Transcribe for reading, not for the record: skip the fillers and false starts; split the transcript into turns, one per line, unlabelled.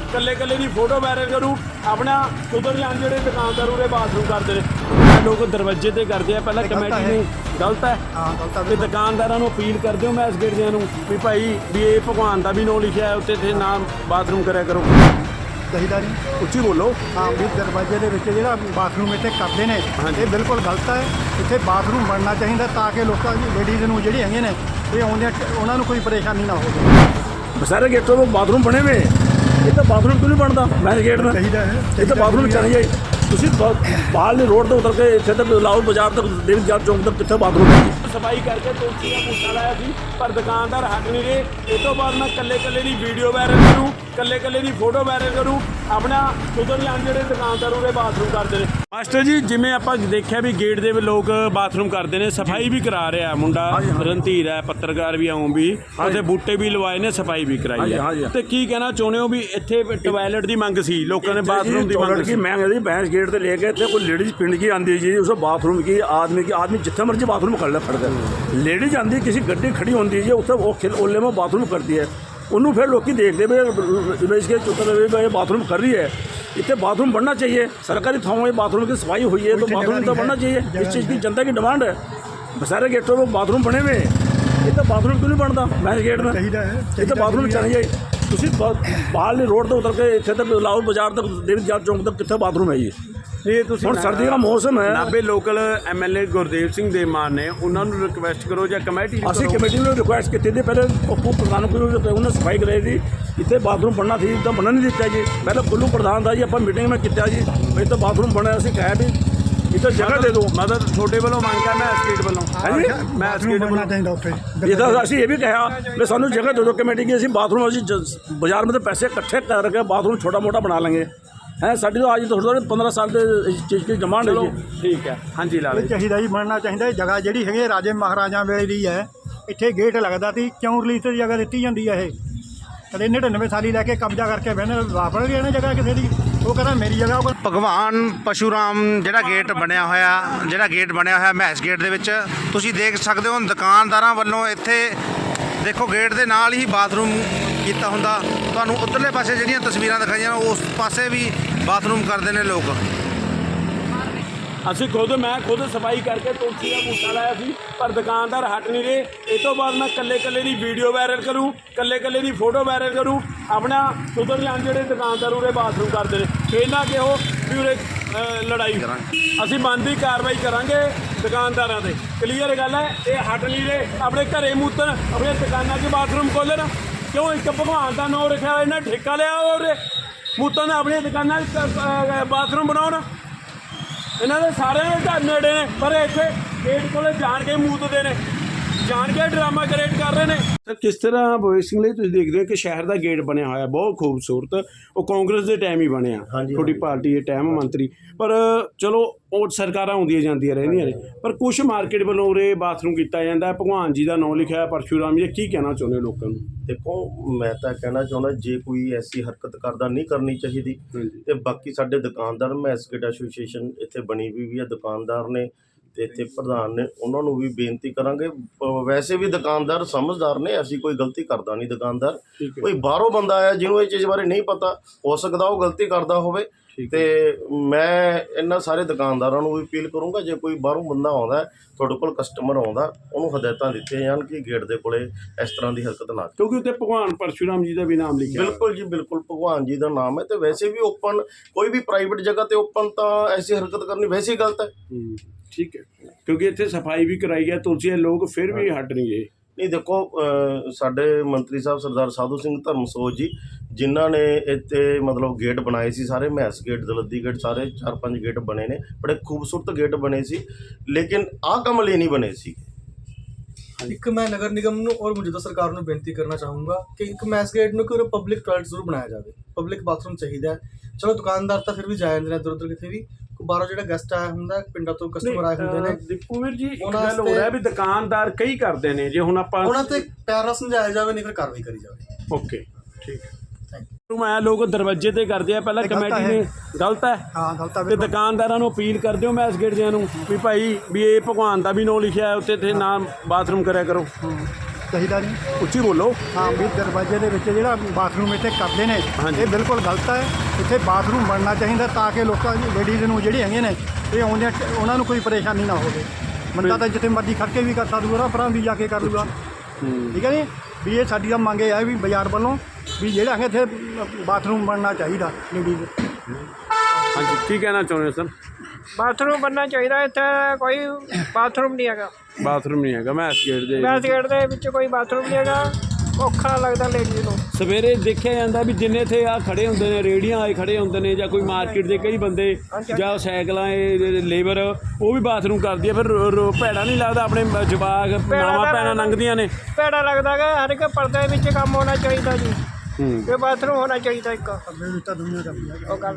ਕੱਲੇ ਕੱਲੇ ਦੀ photo viral ਕਰੂ ਆਪਣਾ ਸੁਧਰ ਜਾਣ ਜਿਹੜੇ ਦੁਕਾਨਦਾਰ ਉਰੇ ਬਾਥਰੂਮ ਕਰਦੇ ਨੇ ਲੋਕ ਦਰਵਾਜ਼ੇ ਤੇ ਕਰਦੇ ਆ ਪਹਿਲਾਂ ਕਮੇਟੀ ਨੇ ਗਲਤ ਹੈ ਤੇ ਦੁਕਾਨਦਾਰਾਂ ਨੂੰ ਅਪੀਲ ਕਰਦੇ ਹੋ ਮੈਸ ਗੇਟ ਦਿਆਂ ਨੂੰ ਵੀ ਭਾਈ ਵੀ ਇਹ ਭਗਵਾਨ ਦਾ ਵੀ ਨਾਂ ਲਿਖਿਆ ਹੈ ਉੱਤੇ ਤੇ ਨਾਮ ਬਾਥਰੂਮ ਕਰਿਆ ਕਰੋ
ਚਾਹੀਦਾ ਨਹੀਂ
ਉੱਚੀ ਬੋਲੋ
ਹਾਂ ਵੀ ਦਰਵਾਜ਼ੇ ਦੇ ਵਿੱਚ ਜਿਹੜਾ ਬਾਥਰੂਮ ਇੱਥੇ ਕਰਦੇ ਨੇ ਇਹ ਬਿਲਕੁਲ ਗਲਤ ਹੈ। ਇੱਥੇ ਬਾਥਰੂਮ ਬਣਨਾ ਚਾਹੀਦਾ ਤਾਂ ਕਿ ਲੋਕਾਂ ਦੀ ਲੇਡੀਜ਼ ਨੂੰ ਜਿਹੜੀ ਹੈਗੇ ਨੇ ਇਹ ਆਉਂਦੇ ਉਹਨਾਂ ਨੂੰ ਕੋਈ ਪਰੇਸ਼ਾਨੀ ਨਾ ਹੋਵੇ।
ਸਾਰੇ ਗੇਟੋਂ ਤੋਂ ਬਾਥਰੂਮ ਬਣੇ ਹੋਏ ਇਹ ਤਾਂ ਬਾਥਰੂਮ ਕਿਉਂ ਨਹੀਂ ਬਣਦਾ ਮੈਸ ਗੇਟ ਦਾ
ਚਾਹੀਦਾ ਹੈ
ਇਹ ਤਾਂ ਬਾਥਰੂਮ ਚਾਹੀਏ ਤੁਸੀਂ ਬਾਹਰਲੇ ਰੋਡ ਤੋਂ ਉਤਰ ਕੇ ਇੱਥੇ ਤੱਕ ਲਾਹੌਰ ਬਾਜ਼ਾਰ ਤੱਕ ਦੇਵੀ ਜਾਤ ਚੌਂਕ ਤੱਕ ਕਿੱਥੇ ਬਾਥਰੂਮ ਹੈ
ਸਫਾਈ ਕਰਕੇ ਤੁਲਸੀ ਦਾ ਬੂਟਾ ਲਾਇਆ ਸੀ ਪਰ ਦੁਕਾਨਦਾਰ ਹਟ ਨਹੀਂ ਰਹੇ। ਇਹ ਤੋਂ ਬਾਅਦ ਮੈਂ ਕੱਲੇ ਕੱਲੇ ਦੀ ਵੀਡੀਓ ਵਾਇਰਲ ਕਰੂ ਕੱਲੇ ਕੱਲੇ ਦੀ ਫੋਟੋ ਵਾਇਰਲ ਕਰੂ ਆਪਣਾ ਸੁਧਰ ਜਾਣ ਜਿਹੜੇ ਦੁਕਾਨਦਾਰ ਉਰੇ ਬਾਥਰੂਮ ਕਰਦੇ ਨੇ। ਮਾਸਟਰ ਜੀ ਜਿਵੇਂ ਆਪਾਂ ਦੇਖਿਆ ਵੀ ਗੇਟ ਦੇ ਲੋਕ ਬਾਥਰੂਮ ਕਰਦੇ ਨੇ ਸਫਾਈ ਵੀ ਕਰਾ ਰਿਹਾ ਮੁੰਡਾ ਰਣਧੀਰ ਹੈ ਪੱਤਰਕਾਰ ਵੀ ਆਉਂ ਵੀ ਉੱਥੇ ਬੂਟੇ ਵੀ ਲਵਾਏ ਨੇ ਸਫਾਈ ਵੀ ਕਰਾਈ ਹੈ ਤੇ ਕੀ ਕਹਿਣਾ ਚਾਹੁੰਦੇ ਹੋ ਵੀ ਇੱਥੇ ਟਾਇਲਟ ਦੀ ਮੰਗ ਸੀ ਲੋਕਾਂ ਨੇ ਬਾਥਰੂਮ ਦੀ ਮੰਗ ਸੀ
मैं यदि भैंस गेट से लेके थे कोई लेडीज पिंड की आती जी उसे बाथरूम की आदमी जितने मर्जी बाथरूम कर ले खड़कर लेडीज आती किसी गड्डी खड़ी होती है उसे वो ओले में बाथरूम करती है उन्होंने फिर लोग देखते भाई इसके चुतर बाथरूम कर रही है इतने बाथरूम बनना चाहिए सरकारी थाओं में बाथरूम की सफाई हुई है तो बाथरूम तो बनना चाहिए इस चीज़ की जनता की डिमांड है सारे गेटों में बाथरूम बने हुए ये तो बाथरूम क्यों नहीं बनता भैंस गेट में ये तो बाथरूम चाहिए ਤੁਸੀਂ ਬਾਹਰਲੇ ਰੋਡ ਤੋਂ ਉਤਰ ਕੇ ਇੱਥੇ ਤੱਕ ਲਾਹੌਰ ਬਾਜ਼ਾਰ ਤੱਕ ਦੇਵੀ ਜਾਤ ਚੌਂਕ ਤੱਕ ਕਿੱਥੇ ਬਾਥਰੂਮ ਹੈ ਜੀ
ਇਹ ਤੁਸੀਂ
ਹੁਣ ਸਰਦੀ ਦਾ ਮੌਸਮ ਹੈ
ਨਾਭੇ ਲੋਕਲ ਐਮਐਲਏ ਗੁਰਦੇਵ ਸਿੰਘ ਦੇ ਮਾਨ ਨੇ ਉਹਨਾਂ ਨੂੰ ਰਿਕਵੈਸਟ ਕਰੋ ਜਾਂ ਕਮੇਟੀ
ਅਸੀਂ ਕਮੇਟੀ ਨੂੰ ਰਿਕੁਐਸਟ ਕੀਤੀ ਸੀ ਪਹਿਲੇ ਪੱਪੂ ਪ੍ਰਧਾਨ ਕੋਲ ਉਹਨੇ ਸਫਾਈ ਕਰਾਈ ਸੀ ਇੱਥੇ ਬਾਥਰੂਮ ਬਣਨਾ ਸੀ ਤਾਂ ਬਣਨ ਨਹੀਂ ਦਿੱਤਾ ਜੀ ਪਹਿਲੇ ਕੁੱਲੂ ਪ੍ਰਧਾਨ ਦਾ ਜੀ ਆਪਾਂ ਮੀਟਿੰਗ ਮੈਂ ਕੀਤਾ ਜੀ ਵੀ ਤਾਂ ਬਾਥਰੂਮ ਬਣਿਆ ਅਸੀਂ ਕਿਹਾ ਵੀ ਇੱਥੇ ਜਗ੍ਹਾ ਦੇ ਦਿਓ
ਮਦਦ ਤੁਹਾਡੇ ਵੱਲੋਂ ਮੰਗ ਹੈ ਮੈਂ ਸਟੇਟ ਵੱਲੋਂ
ਹਾਂਜੀ
ਮੈਂ ਸਟੇਟ
ਬਣਨਾ ਚਾਹੀਦਾ ਉੱਥੇ
ਇਹ ਤਾਂ ਅਸੀਂ ਇਹ ਵੀ ਕਿਹਾ ਵੀ ਸਾਨੂੰ ਜਗ੍ਹਾ ਦੇ ਦਿਓ ਕਮੇਟੀ की ਅਸੀਂ ਬਾਥਰੂਮ ਅਸੀਂ ਬਾਜ਼ਾਰ में पैसे इकट्ठे करके बाथरूम छोटा मोटा बना लेंगे हैं साड़ी तो आज थोड़ी 15 साल से इस चीज़ की डिमांड है
ठीक है हाँ जी ला
ਚਾਹੀਦਾ ਜੀ ਬਣਨਾ ਚਾਹੀਦਾ ਜਗ੍ਹਾ ਜਿਹੜੀ ਹੈਗੀ ਰਾਜੇ ਮਹਾਰਾਜਾ ਵੇਲੇ ਦੀ ਹੈ ਇੱਥੇ ਗੇਟ ਲੱਗਦਾ ਸੀ ਕਿਉਂ ਰਿਲੀਜ਼ ਦੀ ਜਗ੍ਹਾ ਦਿੱਤੀ ਜਾਂਦੀ ਹੈ ਇਹ ਕਦੇ 99 ਸਾਲੀ ਲੈ ਕੇ ਕਬਜ਼ਾ ਕਰਕੇ ਬਹਿਨੇ ਵਾਪਰ ਗਏ ਨੇ ਜਗ੍ਹਾ ਕਿਸੇ ਦੀ ਉਹ ਕਹਿੰਦਾ ਮੇਰੀ ਜਗ੍ਹਾ ਉਹ
ਭਗਵਾਨ ਪਸ਼ੂਰਾਮ ਜਿਹੜਾ ਗੇਟ ਬਣਿਆ ਹੋਇਆ ਮੈਸ ਗੇਟ ਦੇ ਵਿੱਚ ਤੁਸੀਂ ਦੇਖ ਸਕਦੇ ਹੋ ਦੁਕਾਨਦਾਰਾਂ ਵੱਲੋਂ ਇੱਥੇ ਦੇਖੋ ਗੇਟ ਦੇ ਨਾਲ ਹੀ ਬਾਥਰੂਮ ਕੀਤਾ ਹੁੰਦਾ ਤੁਹਾਨੂੰ ਉੱਧਰਲੇ ਪਾਸੇ ਜਿਹੜੀਆਂ ਤਸਵੀਰਾਂ ਦਿਖਾਈਆਂ ਉਸ ਪਾਸੇ ਵੀ ਬਾਥਰੂਮ ਕਰਦੇ ਨੇ ਲੋਕ
ਅਸੀਂ ਮੈਂ ਖੁਦ ਸਫਾਈ ਕਰਕੇ ਤੁਲਸੀ ਦਾ ਬੂਟਾ ਲਾਇਆ ਸੀ ਪਰ ਦੁਕਾਨਦਾਰ ਹਟ ਨਹੀਂ ਰਹੇ। ਇਹ ਤੋਂ ਬਾਅਦ ਮੈਂ ਕੱਲੇ ਕੱਲੇ ਦੀ ਵੀਡੀਓ ਵਾਇਰਲ ਕਰੂ ਕੱਲੇ ਕੱਲੇ ਦੀ ਫੋਟੋ ਵਾਇਰਲ ਕਰੂ ਆਪਣਾ ਸੁਧਰ ਜਾਣ ਜਿਹੜੇ ਦੁਕਾਨਦਾਰ ਉਰੇ ਬਾਥਰੂਮ ਕਰਦੇ ਨੇ ਫਿਰ ਨਾ ਕਿਹੋ ਵੀ ਉਰੇ ਲੜਾਈ ਅਸੀਂ ਬਣਦੀ ਕਾਰਵਾਈ ਕਰਾਂਗੇ ਦੁਕਾਨਦਾਰਾਂ ਤੇ ਕਲੀਅਰ ਗੱਲ ਹੈ। ਇਹ ਹਟ ਨਹੀਂ ਰਹੇ ਆਪਣੇ ਘਰੇ ਮੂਤਣ ਆਪਣੇ ਦੁਕਾਨਾਂ 'ਚ ਬਾਥਰੂਮ ਖੋਲ੍ਹਣ ਕਿਉਂ ਇੱਕ ਭਗਵਾਨ ਦਾ ਨਾਂ ਰੱਖਿਆ ਇਹਨਾਂ ਠੇਕਾ ਲਿਆ ਉਰੇ ਮੂਤਣ ਨੇ ਆਪਣੀਆਂ ਦੁਕਾਨਾਂ 'ਚ ਬਾਥਰੂਮ ਬਣਾਉਣ ਇਹਨਾਂ ਦੇ ਸਾਰਿਆਂ ਦੇ ਘਰ ਨੇੜੇ ਨੇ ਪਰ ਇੱਥੇ ਗੇਟ ਕੋਲੇ ਜਾਣ ਕੇ ਮੂਤਦੇ ਨੇ ਜਾਣ ਕੇ ਡਰਾਮਾ ਕ੍ਰੀਏਟ ਕਰ ਰਹੇ ਨੇ। ਸਰ ਕਿਸ ਤਰ੍ਹਾਂ ਭਗਤ ਸਿੰਘ ਲਈ ਤੁਸੀਂ ਦੇਖਦੇ ਹੋ ਕਿ ਸ਼ਹਿਰ ਦਾ ਗੇਟ ਬਣਿਆ ਹੋਇਆ ਬਹੁਤ ਖੂਬਸੂਰਤ ਉਹ ਕਾਂਗਰਸ ਦੇ ਟਾਈਮ ਹੀ ਬਣਿਆ ਤੁਹਾਡੀ ਪਾਰਟੀ ਦੇ ਟਾਈਮ ਮੰਤਰੀ ਪਰ ਚਲੋ ਉਹ ਸਰਕਾਰਾਂ ਆਉਂਦੀਆਂ ਜਾਂਦੀਆਂ ਰਹਿੰਦੀਆਂ ਨੇ ਪਰ ਕੁਛ ਮਾਰਕੀਟ ਵੱਲੋਂ ਉਰੇ ਬਾਥਰੂਮ ਕੀਤਾ ਜਾਂਦਾ ਭਗਵਾਨ ਜੀ ਦਾ ਨਾਂ ਲਿਖਿਆ ਪਰਸ਼ੂਰਾਮ ਜੀ ਕੀ ਕਹਿਣਾ ਚਾਹੁੰਦੇ ਹੋ ਲੋਕਾਂ ਨੂੰ?
ਦੇਖੋ ਮੈਂ ਤਾਂ ਕਹਿਣਾ ਚਾਹੁੰਦਾ ਜੇ ਕੋਈ ਐਸੀ ਹਰਕਤ ਕਰਦਾ ਨਹੀਂ ਕਰਨੀ ਚਾਹੀਦੀ ਤੇ ਬਾਕੀ ਸਾਡੇ ਦੁਕਾਨਦਾਰ ਮੈਸ ਗੇਟ ਐਸੋਸੀਏਸ਼ਨ ਇੱਥੇ ਬਣੀ ਵੀ ਹੈ ਦੁਕਾਨਦਾਰ ਨੇ ਤੇ ਇੱਥੇ ਪ੍ਰਧਾਨ ਨੇ ਉਹਨਾਂ ਨੂੰ ਵੀ ਬੇਨਤੀ ਕਰਾਂਗੇ ਵੈਸੇ ਵੀ ਦੁਕਾਨਦਾਰ ਸਮਝਦਾਰ ਨੇ ਅਸੀਂ ਕੋਈ ਗਲਤੀ ਕਰਦਾ ਨਹੀਂ ਦੁਕਾਨਦਾਰ ਕੋਈ ਬਾਹਰੋਂ ਬੰਦਾ ਆਇਆ ਜਿਹਨੂੰ ਇਹ ਚੀਜ਼ ਬਾਰੇ ਨਹੀਂ ਪਤਾ ਹੋ ਸਕਦਾ ਉਹ ਗਲਤੀ ਕਰਦਾ ਹੋਵੇ ਤੇ ਮੈਂ ਇਹਨਾਂ ਸਾਰੇ ਦੁਕਾਨਦਾਰਾਂ ਨੂੰ ਵੀ ਅਪੀਲ ਕਰੂੰਗਾ ਜੇ ਕੋਈ ਬਾਹਰੋਂ ਬੰਦਾ ਆਉਂਦਾ ਤੁਹਾਡੇ ਕੋਲ ਕਸਟਮਰ ਆਉਂਦਾ ਉਹਨੂੰ ਹਦਾਇਤਾਂ ਦਿੱਤੀਆਂ ਜਾਣ ਕਿ ਗੇਟ ਦੇ ਕੋਲੇ ਇਸ ਤਰ੍ਹਾਂ ਦੀ ਹਰਕਤ ਨਾ
ਕਿਉਂਕਿ ਉੱਤੇ ਭਗਵਾਨ ਪਰਸ਼ੂਰਾਮ ਜੀ ਦਾ ਵੀ ਨਾਮ ਲਿਖਿਆ
ਬਿਲਕੁਲ ਜੀ ਬਿਲਕੁਲ ਭਗਵਾਨ ਜੀ ਦਾ ਨਾਮ ਹੈ ਤੇ ਵੈਸੇ ਵੀ ਓਪਨ ਕੋਈ ਵੀ ਪ੍ਰਾਈਵੇਟ ਜਗ੍ਹਾ ਤੇ ਓਪਨ ਤਾਂ ਐਸੀ ਹਰਕਤ ਕਰਨੀ ਵੈਸੇ ਹੀ ਗਲਤ ਹੈ।
ਠੀਕ ਹੈ ਕਿਉਂਕਿ ਇੱਥੇ ਸਫਾਈ ਵੀ ਕਰਾਈ ਹੈ ਤੁਲਸੀ ਲੋਕ ਫਿਰ ਵੀ ਹਟ ਨਹੀਂ ਗਏ।
ਨਹੀਂ ਦੇਖੋ ਸਾਡੇ ਮੰਤਰੀ ਸਾਹਿਬ ਸਰਦਾਰ ਸਾਧੂ ਸਿੰਘ ਧਰਮਸੋਤ ਜੀ ਜਿਨ੍ਹਾਂ ਨੇ ਇੱਥੇ ਮਤਲਬ ਗੇਟ ਬਣਾਏ ਸੀ ਸਾਰੇ ਮੈਸ ਗੇਟ ਦਲੱਦੀ ਗੇਟ ਸਾਰੇ 4-5 ਗੇਟ ਬਣੇ ਨੇ ਬੜੇ ਖੂਬਸੂਰਤ ਗੇਟ ਬਣੇ ਸੀ ਲੇਕਿਨ ਆਹ ਕੰਮ ਲਈ ਨਹੀਂ ਬਣੇ ਸੀ।
एक मैं नगर निगम ਨੂੰ और मौजूदा सरकार ਨੂੰ ਬੇਨਤੀ ਕਰਨਾ ਚਾਹੂੰਗਾ ਕਿ ਇੱਕ ਮੈਸ ਗੇਟ ਨੂੰ ਕੋਈ ਪਬਲਿਕ ਟਾਇਲਟ ਜ਼ਰੂਰ ਬਣਾਇਆ ਜਾਵੇ ਪਬਲਿਕ ਬਾਥਰੂਮ ਚਾਹੀਦਾ ਚਲੋ ਦੁਕਾਨਦਾਰ ਤਾਂ ਫਿਰ ਵੀ ਜਾ ਜਾਂਦੇ ਨੇ ਇੱਧਰ ਉੱਧਰ ਕਿਤੇ ਵੀ ਬਾਹਰੋਂ ਜਿਹੜਾ ਗੈਸਟ ਆਇਆ ਹੁੰਦਾ ਪਿੰਡਾਂ ਤੋਂ ਕਸਟਮਰ ਆਏ ਹੁੰਦੇ ਨੇ
ਦੀਪੂ ਵੀਰ ਜੀ ਇੱਕ ਗੱਲ ਹੋ ਰਿਹਾ ਵੀ ਦੁਕਾਨਦਾਰ ਕਈ ਕਰਦੇ ਨੇ ਜੇ ਹੁਣ ਆਪਾਂ ਉਹਨਾਂ
ਤੇ ਪਿਆਰ ਨਾਲ ਸਮਝਾਇਆ ਜਾਵੇ ਨਹੀਂ ਫਿਰ ਕਾਰਵਾਈ ਕਰੀ ਜਾਵੇ।
ਓਕੇ ਠੀਕ ਹੈ ਮੈਂ ਲੋਕ ਦਰਵਾਜ਼ੇ ਤੇ ਕਰਦੇ ਆ ਪਹਿਲਾਂ ਕਮੇਟੀ ਨੇ ਗਲਤ ਹੈ
ਹਾਂ ਗਲਤ ਹੈ
ਤੇ ਦੁਕਾਨਦਾਰਾਂ ਨੂੰ ਅਪੀਲ ਕਰਦੇ ਹੋ ਮੈਸ ਗੇਟ ਦਿਆਂ ਨੂੰ ਵੀ ਭਾਈ ਵੀ ਇਹ ਭਗਵਾਨ ਦਾ ਵੀ ਨਾਂ ਲਿਖਿਆ ਹੈ ਉੱਤੇ ਤੇ ਨਾਮ ਬਾਥਰੂਮ ਕਰਿਆ ਕਰੋ
ਚਾਹੀਦਾ ਨਹੀਂ।
ਉੱਚੀ ਬੋਲੋ।
ਹਾਂ ਵੀ ਦਰਵਾਜ਼ੇ ਦੇ ਵਿੱਚ ਜਿਹੜਾ ਬਾਥਰੂਮ ਇੱਥੇ ਕਰਦੇ ਨੇ
ਹਾਂਜੀ।
ਇਹ ਬਿਲਕੁਲ ਗਲਤ ਹੈ। ਇੱਥੇ ਬਾਥਰੂਮ ਬਣਨਾ ਚਾਹੀਦਾ ਤਾਂ ਕਿ ਲੋਕਾਂ ਲੇਡੀਜ਼ ਨੂੰ ਜਿਹੜੀ ਹੈਗੀਆਂ ਨੇ ਇਹ ਆਉਂਦੇ ਉਹਨਾਂ ਨੂੰ ਕੋਈ ਪਰੇਸ਼ਾਨੀ ਨਾ ਹੋਵੇ। ਬੰਦਾ ਤਾਂ ਜਿੱਥੇ ਮਰਜ਼ੀ ਖੜ ਕੇ ਵੀ ਕਰ ਸਕਦਾ, ਨਾ ਪਰਾਂ ਵੀ ਜਾ ਕੇ ਕਰ ਲੂਗਾ। ਠੀਕ ਹੈ ਜੀ, ਵੀ ਇਹ ਸਾਡੀ ਤਾਂ ਮੰਗ ਇਹ ਹੈ ਵੀ ਬਾਜ਼ਾਰ ਵੱਲੋਂ ਵੀ ਜਿਹੜਾ ਹੈਗਾ ਇੱਥੇ ਬਾਥਰੂਮ ਬਣਨਾ ਚਾਹੀਦਾ ਲੇਡੀਜ਼।
ਹਾਂਜੀ, ਕੀ ਕਹਿਣਾ ਚਾਹੁੰਦੇ ਹੋ ਸਰ?
ਬਾਥਰੂਮ ਬਣਨਾ ਚਾਹੀਦਾ। ਇੱਥੇ ਕੋਈ ਬਾਥਰੂਮ ਨਹੀਂ ਹੈਗਾ।
ਬਾਥਰੂਮ ਨਹੀਂ ਹੈਗਾ ਮੈਸ ਗੇਟ ਦੇ
ਮੈਸ ਗੇਟ ਦੇ ਵਿੱਚ ਕੋਈ ਬਾਥਰੂਮ ਨਹੀਂ ਹੈਗਾ। ਔਖਾ ਲੱਗਦਾ ਲੇਡੀਜ਼ ਨੂੰ।
ਸਵੇਰੇ ਦੇਖਿਆ ਜਾਂਦਾ ਵੀ ਜਿੰਨੇ ਇੱਥੇ ਆ ਖੜੇ ਹੁੰਦੇ ਨੇ, ਰੇਹੜੀਆਂ ਆਏ ਖੜੇ ਹੁੰਦੇ ਨੇ, ਜਾਂ ਕੋਈ ਮਾਰਕੀਟ ਦੇ ਕਈ ਬੰਦੇ ਜਾਂ ਸਾਈਕਲਾਂ ਲੇਬਰ ਉਹ ਵੀ ਬਾਥਰੂਮ ਕਰਦੀ ਆ। ਫਿਰ ਭੈੜਾ ਨਹੀਂ ਲੱਗਦਾ? ਆਪਣੇ ਜਵਾਕ ਮਾਵਾਂ ਭੈਣਾਂ ਲੰਘਦੀਆਂ ਨੇ,
ਭੈੜਾ ਲੱਗਦਾ ਕਿ ਹਰ ਇੱਕ ਪਰਦੇ ਵਿੱਚ ਕੰਮ ਹੋਣਾ ਚਾਹੀਦਾ ਜੀ।
ਹੂੰ।
ਤੇ ਬਾਥਰੂਮ ਹੋਣਾ ਚਾਹੀਦਾ ਇੱਕ।
ਤਾਂ ਦੁਨੀਆ ਕਰਦੀ ਹੈ।
ਉਹ ਗੱਲ